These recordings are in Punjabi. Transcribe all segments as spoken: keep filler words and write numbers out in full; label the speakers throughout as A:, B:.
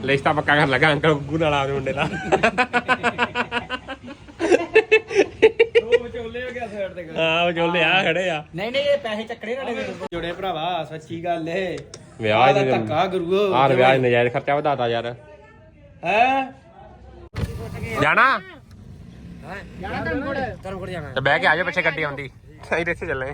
A: ਰਿਸ਼ਤਾ ਪੱਕਾ ਕਰਨ ਲੱਗਾ ਅੰਕਲ ਗੁੱਗੂ ਨਾਲ ਆਪਦੇ ਮੁੰਡੇ ਦਾ। ਹਾਂ ਵਿਚੋਲੇ ਆ ਖੜੇ ਆ।
B: ਨਹੀਂ ਨਹੀਂ ਇਹ ਪੈਸੇ ਚੱਕਣੇ ਤੁਹਾਡੇ ਜੁੜੇ ਭਰਾਵਾ ਸੱਚੀ ਗੱਲ ਏ।
A: ਵਿਆਹ
B: ਦਾ ਧੱਕਾ ਗੁਰੂ
A: ਆਹ ਵਿਆਹ ਨਜਾਇਜ਼ ਖਰਚਾ ਵਧਾਤਾ ਯਾਰ।
B: ਹੈ
A: ਜਾਣਾ
B: ਜਾਣਾ ਧਰਮਕੋਟ ਧਰਮਕੋਟ ਜਾਣਾ
A: ਤੇ ਬਹਿ ਕੇ ਆ ਜਾ ਪਿੱਛੇ ਗੱਡੀ ਆਉਂਦੀ ਅਸੀਂ ਇੱਥੇ ਚੱਲੇ।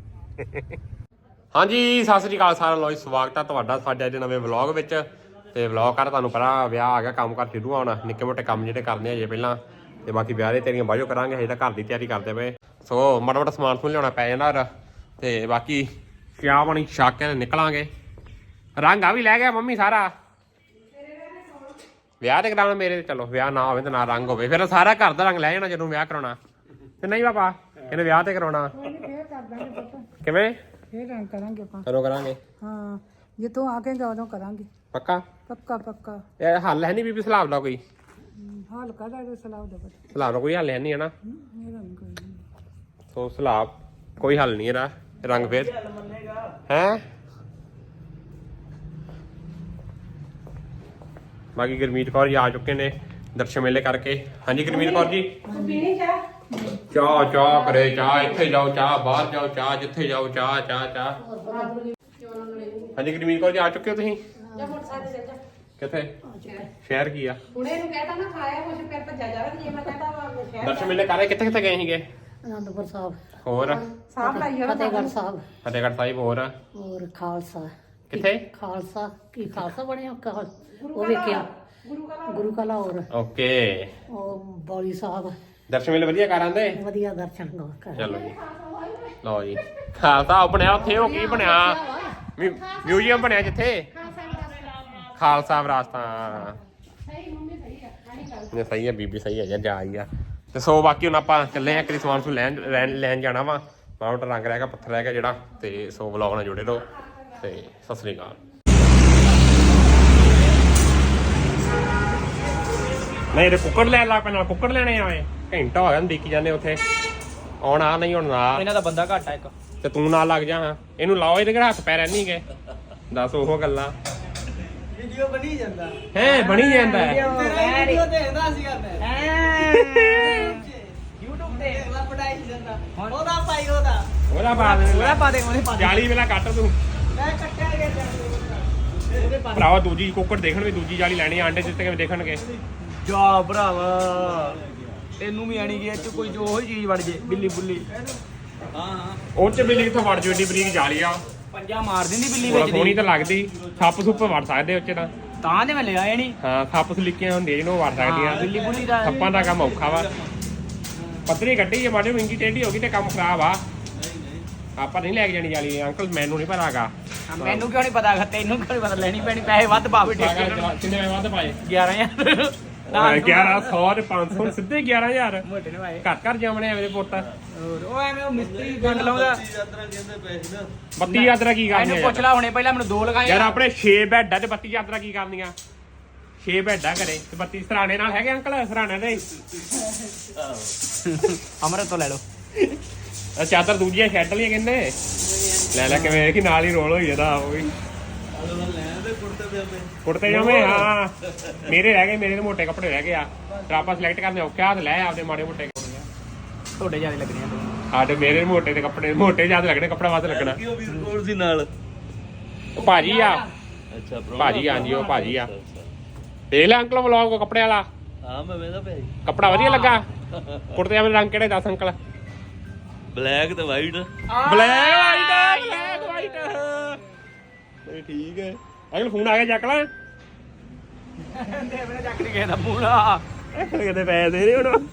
A: ਹਾਂਜੀ ਸਤਿ ਸ੍ਰੀ ਅਕਾਲ ਸਾਰਿਆਂ ਨੂੰ, ਸਵਾਗਤ ਹੈ ਤੁਹਾਡਾ ਸਾਡੇ ਅੱਜ ਨਵੇਂ ਵਲੌਗ ਵਿੱਚ। ਤੇ ਵਲੌਗ ਕਰ ਤੁਹਾਨੂੰ ਪਤਾ ਵਿਆਹ ਆ ਗਿਆ, ਕੰਮ ਕਰ ਸ਼ੁਰੂ ਹੋਣਾ, ਨਿੱਕੇ ਮੋਟੇ ਕੰਮ ਜਿਹੜੇ ਕਰਨੇ ਹਜੇ ਪਹਿਲਾਂ, ਤੇ ਬਾਕੀ ਵਿਆਹ ਦੇ ਤੇਰੀਆਂ ਬਾਝੋ ਕਰਾਂਗੇ। ਹਜੇ ਤਾਂ ਘਰ ਦੀ ਤਿਆਰੀ ਕਰਦੇ ਪਏ, ਸੋ ਮਾੜਾ ਮਾੜਾ ਸਮਾਨ ਸਮੂਨ ਲਿਆਉਣਾ ਪੈ ਜਾਂਦਾ। ਤੇ ਬਾਕੀ ਚਾਹ ਪਾਣੀ ਛੱਕ ਕੇ ਨਿਕਲਾਂਗੇ। ਰੰਗ ਆ ਵੀ ਲੈ ਗਿਆ ਮੰਮੀ ਸਾਰਾ। ਵਿਆਹ ਤੇ ਕਰਾਉਣਾ ਮੇਰੇ, ਚਲੋ ਵਿਆਹ ਨਾ ਹੋਵੇ ਤੇ ਨਾ ਰੰਗ ਹੋਵੇ, ਫਿਰ ਸਾਰਾ ਘਰ ਦਾ ਰੰਗ ਲੈ ਜਾਣਾ ਜਦੋਂ ਵਿਆਹ ਕਰਾਉਣਾ। ਤੇ ਨਹੀਂ ਪਾਪਾ ਇਹਨੇ ਵਿਆਹ ਤੇ ਕਰਾਉਣਾ ਕਿਵੇਂ
C: ਫੇਰ ਰੰਗ ਕਰਾਂਗੇ ਆਪਾਂ।
A: ਕਦੋਂ ਕਰਾਂਗੇ?
C: ਹਾਂ ਜਿੱਥੋਂ ਆ ਕੇ ਉਦੋਂ ਕਰਾਂਗੇ
A: ਪੱਕਾ
C: ਪੱਕਾ ਪੱਕਾ।
A: ਇਹ ਹੱਲ ਹੈ ਨਹੀਂ ਬੀਬੀ ਸਲਾਬ ਦਾ ਕੋਈ?
C: ਹਾਲ ਕਾਹਦਾ ਇਹਦਾ ਸਲਾਹ ਦਾ ਪਤਾ
A: ਸਲਾਬ ਦਾ ਕੋਈ ਹੱਲ ਹੈ ਨਹੀਂ ਹੈ ਨਾ।
C: ਮੇਰਾ ਨਹੀਂ ਕੋਈ ਨਹੀਂ।
A: ਸੋ ਸਲਾਬ ਕੋਈ ਹੱਲ ਨਹੀਂ ਇਹਦਾ, ਰੰਗ ਫੇਰ ਹੈ। ਬਾਕੀ ਗੁਰਮੀਤ ਕੌਰ ਜੀ ਆ ਚੁੱਕੇ ਨੇ ਦਰਸ਼ਨ ਮੇਲੇ ਕਰਕੇ। ਹਾਂਜੀ ਗੁਰਮੀਤ ਕੌਰ ਜੀ ਚਾਹ ਚਾਹ ਕਰੇ ਚਾਹ, ਇੱਥੇ ਜਾਓ ਚਾਹ, ਬਾਹਰ ਜਾਓ ਚਾਹ, ਜਿੱਥੇ ਜਾਓ ਚਾਹ ਚਾਹ ਚਾਹ। ਹਾਂਜੀ ਗੁਰਮੀਤ ਕੌਰ ਜੀ ਆ ਚੁੱਕੇ ਹੋ ਤੁਸੀਂ? ਕਿੱਥੇ ਸ਼ਹਿਰ ਕੀ ਆ?
D: ਹੁਣੇ ਨੂੰ ਕਹਿਤਾ ਨਾ ਖਾਇਆ ਕੁਝ ਫਿਰ ਭੱਜਿਆ ਜਾਵੇ। ਜੇ ਮੈਂ ਕਹਤਾ ਸ਼ਹਿਰ
A: ਦਰਸ਼ਨ ਮੇਲੇ ਕਰੇ ਕਿੱਥੇ ਕਿੱਥੇ ਗਏ ਸੀਗੇ?
E: ਅਨੰਦਪੁਰ ਸਾਹਿਬ,
A: ਹੋਰ
D: ਸਾਫ ਲਾਈ ਹੋਣਾ
E: ਫਤਿਹਗੜ੍ਹ ਸਾਹਿਬ,
A: ਫਤਿਹਗੜ੍ਹ ਸਾਹਿਬ, ਹੋਰ
E: ਹੋਰ ਖਾਲਸਾ।
A: ਕਿੱਥੇ?
E: ਖਾਲਸਾ ਕੀ ਖਾਲਸਾ ਬਣਿਆ ਕਾਲ ਉਹ ਵੇਖਿਆ ਗੁਰੂ ਕਾ ਲਾਹੌਰ।
A: ਓਕੇ
E: ਉਹ ਬੌਲੀ ਸਾਹਿਬ,
A: ਦਰਸ਼ਨ ਮੇਲੇ ਵਧੀਆ ਕਰ ਆਂਦੇ?
E: ਵਧੀਆ ਦਰਸ਼ਨ ਕਰ।
A: ਚਲੋ ਜੀ ਲਓ ਜੀ ਖਾਲਸਾ ਬਣਿਆ ਉੱਥੇ। ਉਹ ਕੀ ਬਣਿਆ? ਮਿਊਜ਼ੀਅਮ ਬਣਿਆ ਜਿੱਥੇ ਖਾਲਸਾ ਵਿਰਾਸਤਾਂ। ਨੇ ਸਹੀ ਹੈ ਬੀਬੀ, ਸਹੀ ਹੈ ਜਾ ਆਈ ਆ। ਤੇ ਸੋ ਬਾਕੀ ਹੁਣ ਆਪਾਂ ਚੱਲੇ ਆ ਕਿ ਸਮਾਨ ਨੂੰ ਲੈਣ ਲੈਣ ਜਾਣਾ ਵਾ। ਮਾਊਂਟ ਰੰਗ ਰਹਿ ਗਿਆ, ਪੱਥਰ ਰਹਿ ਗਿਆ ਜਿਹੜਾ। ਤੇ ਸੋ ਵਲੌਗ ਨਾਲ ਜੁੜੇ ਰਹੋ ਤੇ ਸਤਿ ਸ੍ਰੀ ਅਕਾਲ। ਨਹੀਂ ਤੇ ਕੁੱਕੜ ਲੈਣ ਲੱਗ ਪੈਣਾ, ਕੁੱਕੜ ਲੈਣੇ ਆਏ ਘੰਟਾ ਹੋ ਗਿਆ ਦੇਖੀ ਜਾਂਦੇ ਉੱਥੇ। ਆਉਣਾ ਨਹੀਂ ਹੁਣ ਨਾ
B: ਇਹਨਾਂ ਦਾ ਬੰਦਾ ਘੱਟ ਆ ਇੱਕ।
A: ਤੇ ਤੂੰ ਨਾਲ ਲੱਗ ਜਾ। ਹਾਂ ਇਹਨੂੰ ਲਾਓ, ਇਹਦੇ ਹੱਥ ਪੈ ਰਹਿਣੀ ਗਏ। ਦੱਸ ਉਹ ਗੱਲਾਂ
B: ਵੀਡੀਓ ਬਣੀ ਜਾਂਦਾ
A: ਹੈ, ਬਣੀ ਜਾਂਦਾ ਹੈ।
B: ਤੇਰਾ ਵੀਡੀਓ ਦੇਖਦਾ ਸੀਗਾ ਮੈਂ YouTube ਤੇ ਅਗਲਾ ਪੜਾਈ ਜਾਂਦਾ। ਉਹਦਾ ਭਾਈ ਉਹਦਾ
A: ਉਹਦਾ ਪਾ ਦੇ,
B: ਉਹਦਾ ਪਾ ਦੇ, ਉਹਨੇ ਪਾ ਦੇ।
A: ਜਾਲੀ ਵੇਲਾ ਕੱਟ ਤੂੰ
B: ਮੈਂ ਕੱਟਿਆ ਗਿਆ ਜਾਂਦੇ ਉਹਦੇ ਪਾ
A: ਭਰਾਵਾ। ਦੂਜੀ ਕੁੱਕੜ ਦੇਖਣ ਵੀ ਦੂਜੀ ਜਾਲੀ ਲੈਣੀ, ਆਂਡੇ ਦਿੱਤੇ ਕਿਵੇਂ ਦੇਖਣਗੇ?
B: ਜਾ ਭਰਾਵਾ ਤੈਨੂੰ ਵੀ ਆਣੀ ਗਿਆ ਚ ਕੋਈ ਜੋ ਉਹੀ ਚੀਜ਼ ਵੜ ਜੇ ਬਿੱਲੀ ਬੁੱਲੀ। ਹਾਂ ਹਾਂ
A: ਉਹ ਚ ਬਿੱਲੀ ਕਿੱਥੋਂ ਵੜ ਜੂ? ਏਡੀ ਬਰੀਕ ਜਾਲੀ ਆ,
B: ਪੰਜਾ ਮਾਰ ਦਿੰਦੀ ਬਿੱਲੀ
A: ਬੜਾ
B: ਵਿੱਚ
A: ਸੋਹਣੀ
B: ਦੀ।
A: ਤਾਂ ਲੱਗਦੀ। ਸੱਪ ਸੁੱਪ ਵੜ ਸਕਦੇ ਉੱਚ ਤਾਂ
B: ਤਾਂ ਤੇ ਮੈਂ ਲਿਆ ਇਹ ਨਹੀਂ।
A: ਹਾਂ ਸੱਪ ਸਲਿੱਕੀਆਂ ਹੁੰਦੀਆਂ ਜਿਹਨੂੰ ਵੜ ਸਕਦੀਆਂ।
B: ਬਿੱਲੀ ਬੁੱਲੀ ਦਾ
A: ਸੱਪਾਂ ਦਾ ਕੰਮ ਔਖਾ ਵਾ। ਪਤਲੀ ਕੱਢੀ ਜੇ ਮਾੜੀ ਵਿੰਗੀ ਟੇਢੀ ਹੋ ਗਈ ਤੇ ਕੰਮ ਖਰਾਬ ਆ। ਆਪਾਂ ਨਹੀਂ ਲੈ ਕੇ ਜਾਣੀ ਜਾਲੀ ਅੰਕਲ, ਮੈਨੂੰ ਨਹੀਂ ਪਤਾਗਾ।
B: ਮੈਨੂੰ ਕਿਉਂ ਨਹੀਂ ਪਤਾ? ਤੈਨੂੰ ਕਿਉਂ ਨਹੀਂ ਪਤਾ? ਲੈਣੀ ਪੈਣੀ, ਪੈਸੇ ਵੱਧ ਪਾਵੇ ਠੇਕੇ ਨੂੰ।
A: ਕਿੰਨੇ ਵੱਧ ਪਾਏ?
B: ਗਿਆਰਾਂ ਹਜ਼ਾਰ
A: ਗਿਆਰਾਂ ਸੌ ਤੇ ਪੰਜ ਸੌ ਸਿੱਧੇ ਗਿਆਰਾਂ ਹਜ਼ਾਰ।
B: ਮੋਟੇ ਨੇ ਭਾਈ
A: ਘਰ ਘਰ ਜਾਵਣੇ ਐਵੇਂ ਦੇ ਪੁੱਤ।
B: ਹੋਰ ਉਹ ਐਵੇਂ ਉਹ ਮਿਸਤਰੀ ਗੰਡ ਲਾਉਂਦਾ।
A: ਬੱਤੀ ਯਾਤਰਾ ਕੀ ਕਰਨੀ
B: ਇਹਨੂੰ
A: ਆ
B: ਪੁੱਛ ਲਾ ਹੁਣੇ, ਪਹਿਲਾਂ ਮੈਨੂੰ ਦੋ ਲਗਾਏ
A: ਯਾਰ? ਆਪਣੇ ਛੇ ਬੈੱਡ ਆ ਤੇ ਬੱਤੀ ਯਾਤਰਾ ਕੀ ਕਰਨੀਆਂ? ਛੇ ਬੈੱਡ ਆ ਘਰੇ ਤੇ ਬੱਤੀ ਸਰਾਣੇ ਨਾਲ ਹੈਗੇ ਅੰਕਲ? ਸਰਾਣੇ ਦੇ
B: ਅਮਰਤ ਤੋਂ ਲੈ ਲਓ।
A: ਚਾਦਰ ਦੂਜੀਆਂ ਛੱਡ ਲਈਆਂ ਕਹਿੰਦੇ। ਲੈ ਲੈ ਕਿਵੇਂ ਕਿ ਨਾਲ ਹੀ ਰੋਲ ਹੋਈ ਜਾਂਦਾ। ਉਹ ਵੀ ਕੁੜਤੇ ਜਾਵੇਂ। ਹਾਂ ਮੇਰੇ ਰਹਿ ਗਏ, ਮੇਰੇ ਦੇ ਮੋਟੇ ਕੱਪੜੇ ਰਹਿ ਗਏ ਆ। ਫਿਰ ਆਪਾਂ ਸਿਲੈਕਟ ਕਰਨੇ ਔਖੇ ਆ ਤੇ ਲੈ ਆਪਦੇ ਮਾੜੇ ਮੋਟੇ।
B: ਤੁਹਾਡੇ ਜਿਆਦਾ ਲੱਗਣੇ ਆ
A: ਸਾਡੇ ਮੇਰੇ ਮੋਟੇ ਦੇ ਕੱਪੜੇ ਮੋਟੇ ਜ਼ਿਆਦਾ ਲੱਗਣੇ, ਕੱਪੜਾ ਵੱਧ ਲੱਗਣਾ।
F: ਸੀ ਨਾਲ
A: ਉਹ ਭਾਜੀ ਆ,
F: ਅੱਛਾ
A: ਭਾਜੀ ਹਾਂਜੀ ਉਹ ਭਾਜੀ ਆ। ਦੇਖ ਲੈ ਅੰਕਲ ਵਲੌਗ ਕੱਪੜੇ ਵਾਲਾ।
F: ਹਾਂ ਮੈਂ ਵੇਖਦਾ ਪਿਆ
A: ਕੱਪੜਾ ਵਧੀਆ ਲੱਗਾ? ਕੁੜਤੇ ਜਾਵੇਂ ਰੰਗ ਕਿਹੜੇ ਦੱਸ ਅੰਕਲ?
F: ਬਲੈਕ ਤੇ white.
A: Black white, black white. ਨਹੀਂ ਠੀਕ ਹੈ ਅੰਕਲ। ਫੋਨ ਆ ਗਿਆ ਚੱਕ ਲੈ।
B: ਦੇਵਨੇ ਚੱਕ ਨਹੀਂ ਗਿਆ ਪੂਰਾ।
A: ਕਿਤੇ ਪੈਸੇ ਦੇ ਰਹੇ ਹੁਣ?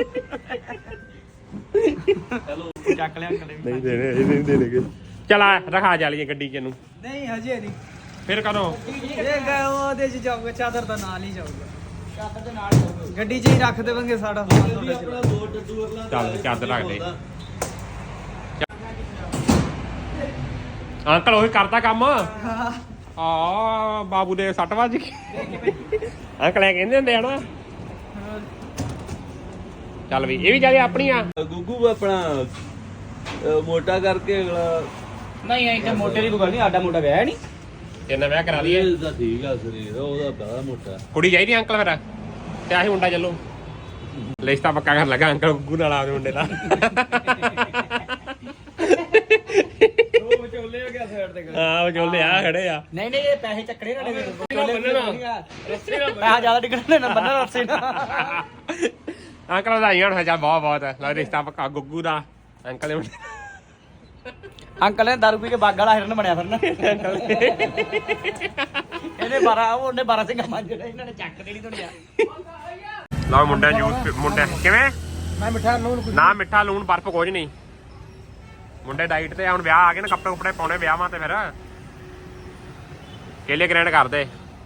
F: ਚਲੋ
B: ਚੱਕ ਲਿਆ ਅੰਕਲ ਵੀ।
A: ਨਹੀਂ ਦੇਣੇ, ਇਹ ਨਹੀਂ ਦੇਣਗੇ। ਚਲ ਆ ਰਖਾ ਜਾਲੀਏ ਗੱਡੀ ਚ ਨੂੰ।
B: ਨਹੀਂ ਹਜੇ ਨਹੀਂ।
A: ਫਿਰ ਕਦੋਂ?
B: ਇਹ ਗਏ ਉਹਦੇ ਚ ਜਾਊਗਾ, ਚਾਦਰ ਦਾ ਨਾਲ ਹੀ ਜਾਊਗਾ। ਚਾਦਰ ਦੇ ਨਾਲ ਜਾਊਗਾ, ਗੱਡੀ 'ਚ ਹੀ ਰੱਖ ਦੇਵਾਂਗੇ ਸਾਡਾ ਸਮਾਨ ਤੁਹਾਡਾ ਚ।
F: ਆਪਣਾ ਦੋ ਡੱਡੂ ਅਗਲਾ
A: ਚੱਲ ਚਾਦਰ ਰੱਖ ਦੇ। ਅੰਕਲ ਉਹੀ ਕਰਦਾ ਕੰਮ। ਆ ਬਾਬੂ ਦੇ ਸੱਟ ਵੱਜ ਗਈ। ਅੰਕਲ ਐ ਕਹਿੰਦੇ ਹੁੰਦੇ ਆ ਨਾ। ਚੱਲ ਵੀ ਇਹ ਵੀ ਜਾਲੀ ਆਪਣੀ ਆ।
F: ਗੁੱਗੂ ਆਪਣਾ ਅਹ, ਮੋਟਾ ਕਰਕੇ ਅਗਲਾ
B: ਨਹੀਂ ਐ ਤੇ ਮੋਟੇ ਦੀ ਕੋਈ ਗੱਲ ਨਹੀਂ, ਆਡਾ ਮੋਟਾ ਵਿਆਹ ਨਹੀਂ।
A: ਕਿੰਨਾ ਵਿਆਹ ਕਰਾ ਲਈਏ
F: ਇਹ ਤਾਂ ਠੀਕ ਆ ਸਰੀਰ ਉਹਦਾ ਬੜਾ ਮੋਟਾ
A: ਕੁੜੀ ਚਾਹੀਦੀ ਅੰਕਲ ਫਿਰ ਤੇ ਆਹੀ ਮੁੰਡਾ ਚੱਲੋ ਲਿਸਟਾ ਪੱਕਾ ਕਰ ਲਗਾ ਅੰਕਲ ਗੁੱਗੂ ਨਾਲ ਆਵੇ ਮੁੰਡੇ ਦਾ
B: ਉਹ ਵਿਚੋਲੇ ਹੋ ਗਿਆ ਸਾਈਡ ਤੇ
A: ਹਾਂ ਵਿਚੋਲੇ ਆ ਖੜੇ ਆ
B: ਨਹੀਂ ਨਹੀਂ ਇਹ ਪੈਸੇ ਚੱਕਣੇ ਨਾ ਪੈਸਾ ਜ਼ਿਆਦਾ ਡਿੱਗਣਾ ਨਾ ਬੰਨਣਾ ਰੱਸੇ ਨਾ
A: ਅੰਕਲ ਵਧਾਈਆਂ ਹੋਣ ਚੱਲ ਬਹੁਤ ਬਹੁਤ ਲਓ ਰਿਸ਼ਤਾ ਪੱਕਾ ਗੁੱਗੂ ਦਾ ਅੰਕਲ ਦੇ ਮੁੰਡੇ
B: ਅੰਕਲ ਨੇ ਦਾਰੂ ਪੀ ਕੇ ਬਾਗ ਵਾਲਾ ਹਿਰਨ ਬਣਿਆ ਫਿਰਨਾ ਇਹਨੇ ਬਾਰਾਂ ਉਹਨੇ ਬਾਰਾਂ ਸਿੰਘਾਂ ਮੰਜਣਾ ਇਹਨਾਂ ਨੇ ਚੱਕ ਦੇਣੀ ਦੁਨੀਆ
A: ਲਓ ਮੁੰਡਾ ਜੂਸ ਮੁੰਡਾ ਕਿਵੇਂ
B: ਮੈਂ ਮਿੱਠਾ ਨੂਨ
A: ਨਾ ਮਿੱਠਾ ਲੂਣ ਬਰਫ ਕੁਝ ਨਹੀਂ ਮੁੰਡੇ ਡਾਈਟ ਤੇ ਹੁਣ ਵਿਆਹ ਆ ਗਏ ਨਾ ਕੱਪੜੇ ਕੁਪੜੇ ਪਾਉਣੇ ਵਿਆਹਾਂ ਤੇ ਫਿਰ ਕੇਲੇ ਗ੍ਰੈਂਡ ਕਰਦੇ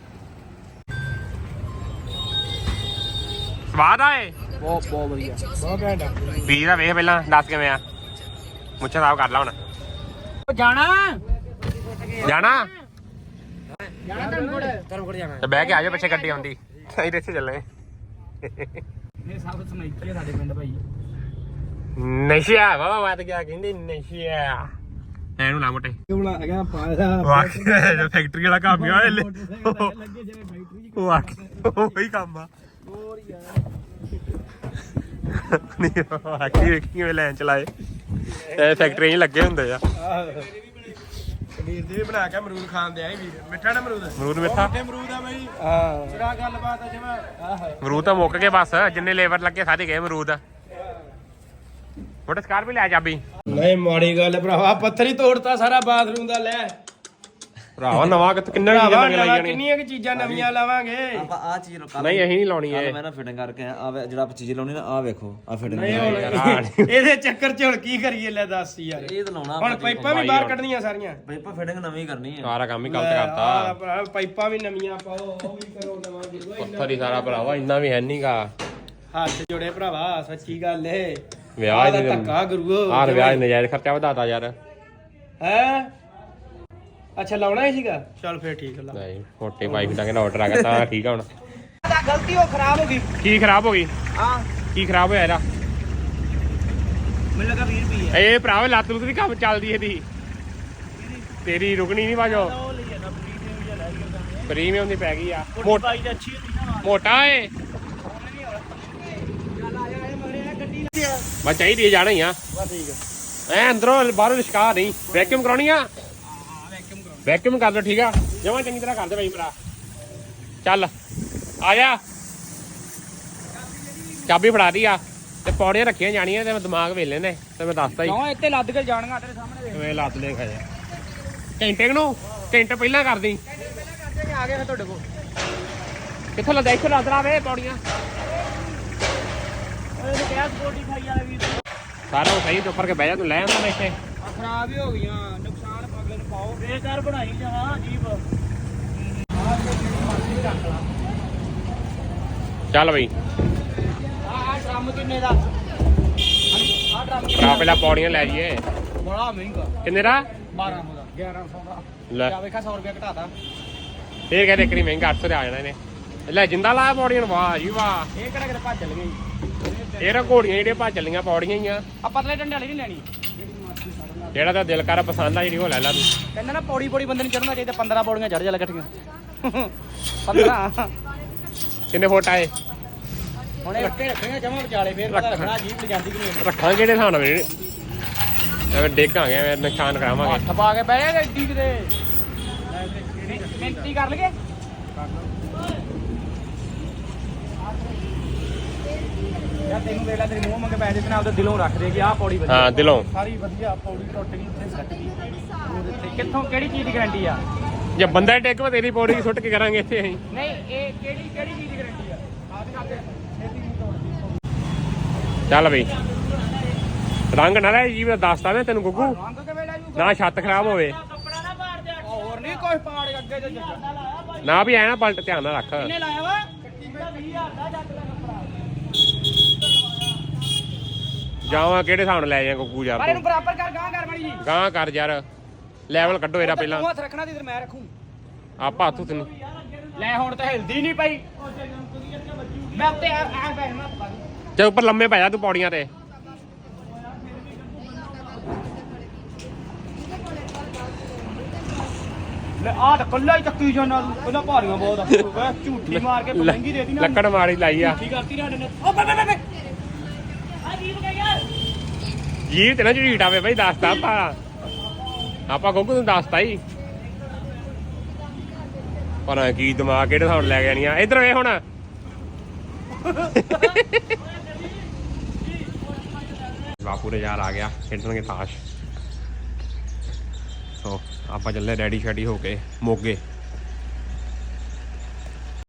A: ਸਵਾਦ ਆਏ
B: ਬਹੁਤ ਬਹੁਤ ਵਧੀਆ ਬਹੁਤ ਘੈਂਟ ਆ
A: ਵੀਰ ਦਾ ਵੇਖ ਪਹਿਲਾਂ ਦੱਸ ਕਿਵੇਂ ਆ ਮੁੱਛਾਂ ਸਾਫ ਕਰ ਲਾ ਹੁਣ
B: ਜਾਣਾ
A: ਜਾਣਾ
B: ਜਾਣਾ ਧਰਮਕੋਟ ਧਰਮਕੋਟ ਜਾਣਾ
A: ਤੇ ਬਹਿ ਕੇ ਆ ਜਾ ਪਿੱਛੇ ਗੱਡੀ ਆਉਂਦੀ ਅਸੀਂ ਤੇ ਇੱਥੇ ਚੱਲੇ
B: ਇਹ ਸਭ ਸਮੈਕੀ ਸਾਡੇ ਪਿੰਡ ਭਾਈ
A: ਨਸ਼ਿਆ ਬਾਬਾ ਮੈਂ ਤਾਂ ਕਿਹਾ ਕਹਿੰਦੇ ਨਸ਼ਿਆ ਐਨੂੰ ਨਾ ਮੋਟੇ
B: ਕਿਉਂ ਹੈਗਾ ਪਾਇਆ
A: ਵਾਕਿਆ ਫੈਕਟਰੀ ਵਾਲਾ ਕੰਮ ਆ ਇਹ
B: ਲੱਗੇ ਜਿਵੇਂ ਫੈਕਟਰੀ
A: ਉਹ ਉਹੀ ਕੰਮ ਆ
B: ਹੋਰ ਯਾਰ
A: ਨਹੀਂ ਆਖੀ ਵੇਖੀ ਕਿਵੇਂ ਲੈਣ ਚਲਾਏ ਇਹ ਫੈਕਟਰੀ 'ਚ ਲੱਗੇ ਹੁੰਦੇ ਆ
B: ਵੀਰ ਦੀ ਵੀ ਬਣਾ ਕੇ ਅਮਰੂਦ ਖਾਣ ਦੇ ਆਏ ਵੀਰ ਮਿੱਠਾ ਨਾ ਅਮਰੂਦ
A: ਅਮਰੂਦ ਮਿੱਠਾ
B: ਅਮਰੂਦ ਆ ਬਾਈ ਹਾਂ ਸਿਰਾ ਗੱਲਬਾਤ ਆ ਜਿਵੇਂ ਆਹ
A: ਅਮਰੂਦ ਤਾਂ ਮੁੱਕ ਗਏ ਬਸ ਜਿੰਨੇ ਲੇਬਰ ਲੱਗੇ ਸਾਰੇ ਗਏ ਅਮਰੂਦ ਮੋਟੇ ਸਕਾਰ ਵੀ ਲੈ ਚਾਬੀ
B: ਨਹੀਂ ਮਾੜੀ ਗੱਲ ਭਰਾਵਾ ਪੱਥਰ ਹੀ ਤੋੜਤਾ ਸਾਰਾ ਬਾਥਰੂਮ ਦਾ ਲੈ
A: ਭਰਾਵਾ ਨਵਾਂ ਕਿਤੇ ਕਿੰਨੇ ਚੀਜ਼ਾਂ ਨਵੀਆਂ ਲਾਈ ਜਾਣੀ
B: ਕਿੰਨੀਆਂ ਕਿ ਚੀਜ਼ਾਂ ਨਵੀਆਂ ਲਾਵਾਂਗੇ
G: ਆਪਾਂ ਆ ਚੀਜ਼ ਕੱਲ
A: ਨਹੀਂ ਅਸੀਂ ਨਹੀਂ ਲਾਉਣੀ ਇਹ
G: ਮੈਂ ਨਾ ਫਿਟਿੰਗ ਕਰਕੇ ਆ ਜਿਹੜਾ ਆਪਾਂ ਚੀਜ਼ ਲਾਉਣੀ ਨਾ ਆ ਵੇਖੋ ਆ ਫਿਟਿੰਗ
B: ਇਹਦੇ ਚੱਕਰ ਚ ਹੁਣ ਕੀ ਕਰੀਏ ਲੈ ਦੱਸ ਯਾਰ
G: ਇਹ ਤਾਂ ਲਾਉਣਾ
B: ਹੁਣ ਪਾਈਪਾਂ ਵੀ ਬਾਹਰ ਕੱਢਣੀਆਂ ਸਾਰੀਆਂ
G: ਪਾਈਪਾਂ ਫਿਟਿੰਗ ਨਵੀਂ ਕਰਨੀ ਹੈ
A: ਸਾਰਾ ਕੰਮ ਹੀ ਗਲਤ ਕਰਤਾ
B: ਆਹ ਭਰਾ ਪਾਈਪਾਂ ਵੀ ਨਵੀਆਂ ਪਾਓ ਉਹ ਵੀ ਕਰੋ ਨਵਾਂ ਗੁਰੂਆ
A: ਪੱਥਰ ਹੀ ਸਾਰਾ ਭਰਾਵਾ ਇੰਨਾ ਵੀ ਹੈ ਨਹੀਂਗਾ
B: ਹੱਥ ਜੋੜੇ ਭਰਾਵਾ ਸੱਚੀ ਗੱਲ ਏ
A: ਵਿਆਹ
B: ਦਾ
A: ਦੇ
B: ਧੱਕਾ ਗੁਰੂ
A: ਆਹ ਵਿਆਹ ਦੇ ਨਜਾਇਜ਼ ਖਰਚਾ ਵਧਾਤਾ ਯਾਰ
B: ਹੈ ਅੱਛਾ ਲਾਉਣਾ ਹੀ ਸੀਗਾ ਚੱਲ ਫੇਰ ਠੀਕ ਲਾ
A: ਨਹੀਂ ਮੋਟੇ ਵਾਈਫ ਦਾ ਕਹਿੰਦਾ ਆਰਡਰ ਆ ਗਿਆ ਤਾਂ ਠੀਕ ਆ ਹੁਣ
B: ਤਾਂ ਗਲਤੀ ਉਹ ਖਰਾਬ ਹੋ ਗਈ
A: ਕੀ ਖਰਾਬ ਹੋ ਗਈ
B: ਹਾਂ
A: ਕੀ ਖਰਾਬ ਹੋਇਆ ਇਹਦਾ
B: ਮੈਨੂੰ ਲੱਗਾ ਵੀਹ ਰੁਪਏ
A: ਇਹ ਭਰਾਵਾ ਲੱਤ ਲੁੱਤ ਦੀ ਕੰਮ ਚੱਲਦੀ ਇਹਦੀ ਤੇਰੀ ਰੁਕਣੀ ਨਹੀਂ ਬਾਜੋ ਪ੍ਰੀਮੀਅਮ ਦੀ ਪੈ ਗਈ ਆ ਮੋਟਾ
B: ਬਾਈ ਦੀ ਅੱਛੀ ਹੁੰਦੀ ਨਾ
A: ਮੋਟਾ ਏ ਬਸ ਚਾਹੀਦੀ ਜਾਣਾ ਹੀ ਆ
B: ਬਸ ਠੀਕ ਆ
A: ਐ ਅੰਦਰੋਂ ਬਾਹਰੋਂ ਲਿਸ਼ਕਾ ਨਹੀਂ ਵੈਕਿਊਮ ਕਰਾਉਣੀ ਆ ਵੈਕਿਊਮ ਕਰ ਲਓ ਠੀਕ ਆ ਜਮਾਂ ਚੰਗੀ ਤਰ੍ਹਾਂ ਕਰ ਦੇ ਬਾਈ ਭਰਾ ਚੱਲ ਆ ਜਾ ਚਾਬੀ ਫੜਾ ਦੀ ਆ ਤੇ ਪੌੜੀਆਂ ਰੱਖੀਆਂ ਜਾਣੀਆਂ ਤੇ ਮੈਂ ਦਿਮਾਗ ਵੇਲੇ ਨੇ ਤੇ ਮੈਂ ਦੱਸਦਾ ਹੀ
B: ਕਿਉਂ ਇੱਥੇ ਲੱਦ ਕੇ ਜਾਣਗਾ ਤੇਰੇ ਸਾਹਮਣੇ
A: ਕਿਵੇਂ ਲੱਤ ਲੈ ਖਾ ਜਾ ਘੰਟੇ ਨੂੰ ਘੰਟੇ ਪਹਿਲਾਂ ਕਰਦੀ
B: ਆ ਗਏ ਫਿਰ ਤੁਹਾਡੇ ਕੋਲ
A: ਕਿੱਥੋਂ ਲੱਦਾ ਇੱਥੋਂ ਲੱਦ ਲਾ ਵੇ ਪੌੜੀਆਂ
B: ਉਹਨੇ ਕਿਹਾ ਬੋਡੀ ਖਾਈ ਵਾਲੇ ਵੀਰ
A: ਸਾਰਾ ਸਹੀ ਤੇ ਉੱਪਰ ਕੇ ਬਹਿ ਜਾ ਤੂੰ ਲੈ ਆਉਂਦਾ ਮੈਂ ਇੱਥੇ
B: ਖਰਾਬ ਹੀ ਹੋ ਗਈਆਂ ਨੁਕਸਾਨ ਪਗਲੇ ਨੂੰ ਪਾਓ ਬੇਕਾਰ ਬਣਾਈ ਜਾਵਾਂ ਅਜੀਬ
A: ਚੱਲ ਬਈ
B: ਆਹ ਡਰਮ ਕਿੰਨੇ ਦਾ ਆਹ ਡਰਮ
A: ਭਰਾ ਪਹਿਲਾਂ ਪੌੜੀਆਂ ਲੈ ਜਾਈਏ
B: ਬੜਾ ਮਹਿੰਗਾ
A: ਕਿੰਨੇ ਦਾ
B: ਬਾਰਾਂ ਸੌ ਦਾ ਗਿਆਰਾਂ ਸੌ ਦਾ
A: ਲੈ
B: ਜਾ ਵੇਖਾ ਸੌ ਰੁਪਏ ਘਟਾਤਾ
A: ਫੇਰ ਕਹਿੰਦੇ ਇੱਕਰੀ ਮਹਿੰਗਾ ਅੱਠ ਸੌ ਦੇ ਆ ਜਾਣਾ ਇਹਨੇ ਲੈ ਜਿੰਦਾ ਲਾਇਆ ਪੌੜੀਆਂ ਨੂੰ ਵਾਹ ਜੀ ਵਾਹ
B: ਇਹ ਕਿਹੜਾ ਕਿਤੇ ਭੱਜ ਚੱਲ ਗਈ
A: ਇਹ ਨਾ ਘੋੜੀਆਂ ਜਿਹੜੀਆਂ ਭੱਜ ਚੱਲੀਆਂ ਪੌੜੀਆਂ ਹੀ ਆ
B: ਆ ਪਤਲੇ ਡੰਡੇ ਵਾਲੀ ਨਹੀਂ ਲੈਣੀ
A: ਜਿਹੜਾ ਤਾਂ ਦਿਲ ਕਰ ਪਸੰਦ ਆ ਜਿਹੜੀ ਉਹ ਲੈ ਲਾ ਤੂੰ
B: ਕਹਿੰਦਾ ਨਾ ਪੌੜੀ ਪੌੜੀ ਬੰਦੇ ਨੂੰ ਚੜਨਾ ਚਾਹੀਦਾ ਪੰਦਰਾਂ ਪੌੜੀਆਂ ਚੜ ਜਾ ਲੈ ਇਕੱਠੀਆਂ ਪੰਦਰਾਂ
A: ਕਿੰਨੇ ਫੁੱਟ ਆਏ
B: ਹੁਣ ਇਹ ਰੱਖੇ ਰੱਖੀਆਂ ਜਮਾ ਵਿਚਾਲੇ ਫੇਰ ਪਤਾ ਲੱਗਣਾ ਜੀਪ ਤੇ ਜਾਂਦੀ ਕਿ ਨਹੀਂ
A: ਰੱਖਾਂਗੇ ਕਿਹੜੇ ਹਿਸਾਬ ਨਾਲ ਵੀਰੇ ਐਵੇਂ ਡੇਗਾਂਗੇ ਐਵੇਂ ਨੁਕਸਾਨ ਕਰਾਵਾਂਗੇ
B: ਹੱਥ ਪਾ ਕੇ ਬਹਿ ਜਾ ਗੱਡੀ ਕਿਤੇ ਮਿੰਤੀ ਕਰ ਲਈਏ ਯਾ ਤੈਨੂੰ ਵੇਲਾ ਤੇਰੇ ਮੂੰਹ ਮੰਗੇ ਪੈਸੇ ਬਿਨਾਂ ਉਹਦੇ ਦਿਲੋਂ ਰੱਖ ਦੇ ਕਿ ਆਹ ਪੌੜੀ ਵਧੀਆ
A: ਹਾਂ ਦਿਲੋਂ
B: ਸਾਰੀ ਵਧੀਆ ਪੌੜੀ ਟੁੱਟ ਗਈ ਇੱਥੇ ਸੱਟ ਗਈ ਉਹਦੇ ਕਿੱਥੋਂ ਕਿਹੜੀ ਚੀਜ਼ ਦੀ ਗਾਰੰਟੀ ਆ
A: ਜੇ ਬੰਦਾ ਡੇਗ ਵਾ ਤੇਰੀ ਪੌੜੀ ਸੁੱਟ ਕੇ ਕਰਾਂਗੇ ਇੱਥੇ ਅਸੀਂ
B: ਨਹੀਂ ਇਹ ਕਿਹੜੀ ਕਿਹੜੀ ਚੀਜ਼ ਦੀ ਗਾਰੰਟੀ ਆ ਆਹ ਦੇ ਛੇਤੀ ਨਹੀਂ ਤੋੜਦੀ
A: ਚੱਲ ਬਈ ਰੰਗ ਨਾ ਲੈ ਜੀ ਮੈਂ ਦੱਸਦਾ ਮੈਂ ਤੈਨੂੰ ਗੁੱਗੂ
B: ਰੰਗ ਕਿਵੇਂ ਲੈ ਜੂ
A: ਨਾ ਛੱਤ ਖਰਾਬ ਹੋਵੇ
B: ਕੱਪੜਾ ਨਾ ਪਾੜ ਦੇ ਹੋਰ ਨਹੀਂ ਕੋਈ ਪਾੜ ਅੱਗੇ ਜੋ ਜੱਜਾ
A: ਨਾ ਵੀ ਐ ਨਾ ਪਲਟ ਧਿਆਨ ਨਾਲ ਰੱਖ
B: ਕਿੰਨੇ ਲਾਇਆ ਵਾ ਵੀਹ ਹਜ਼ਾਰ ਦਾ ਜੱਟ ਦਾ ਕੱਪੜਾ
A: ਜਾਵਾਂ ਕਿਹੜੇ ਹਿਸਾਬ ਨਾਲ ਲੈ ਜਾ ਗੁੱਗੂ ਯਾਰ
B: ਪਰ ਇਹਨੂੰ ਬਰਾਬਰ ਕਰ ਗਾਂ ਕਰ ਮਾੜੀ ਜੀ
A: ਗਾਂ ਕਰ ਯਾਰ ਲੈਵਲ ਕੱਢੋ ਇਹਦਾ ਪਹਿਲਾਂ
B: ਤੂੰ ਹੱਥ ਰੱਖਣਾ ਤੇ ਇਧਰ ਮੈਂ ਰੱਖੂ
A: ਆਪਾਂ ਹੱਥ ਤੈਨੂੰ
B: ਲੈ ਹੁਣ ਤਾਂ ਹਿਲਦੀ ਨਹੀਂ ਪਈ ਮੈਂ ਉੱਤੇ ਆ ਆ ਬੈਠਣਾ
A: ਜੇ ਉੱਪਰ ਲੰਮੇ ਪੈ ਜਾ ਤੂੰ ਪੌੜੀਆਂ ਤੇ
B: ਲੈ ਆ ਤਾਂ ਕੱਲਾ ਹੀ ਚੱਕੀ ਜਾਣਾ ਤੂੰ ਪਹਿਲਾਂ ਭਾਰੀਆਂ ਬਹੁਤ ਆ ਓਏ ਝੂਠੀ ਮਾਰ ਕੇ ਮਹਿੰਗੀ ਦੇਤੀ ਨਾ
A: ਲੱਕੜ ਮਾਰੀ ਲਾਈ ਆ
B: ਠੀਕ ਕਰਤੀ ਸਾਡੇ ਨੇ ਓ ਬੇ ਬੇ ਬੇ ਆ ਜੀਵ ਗਿਆ ਯਾਰ
A: ਜੀਵ ਤੇ ਨਾ ਝੀਟ ਆਵੇ ਬਈ ਦੱਸਤਾ ਆਪਾਂ ਆਪਾਂ ਗੋਗੂ ਨੂੰ ਦੱਸਤਾ ਹੀ ਪਰ ਕੀ ਦਿਮਾਗ ਕਿਹੜੇ ਹਿਸਾਬ ਨਾਲ ਲੈ ਕੇ ਆਣੀ ਆ ਇਧਰ ਵੇ ਹੁਣ ਬਾਪੂ ਦੇ ਯਾਰ ਆ ਗਿਆ ਖੇਡਣਗੇ ਤਾਸ਼ ਸੋ ਆਪਾਂ ਚੱਲੇ ਰੈਡੀ ਸ਼ੈਡੀ ਹੋ ਕੇ ਮੋਗੇ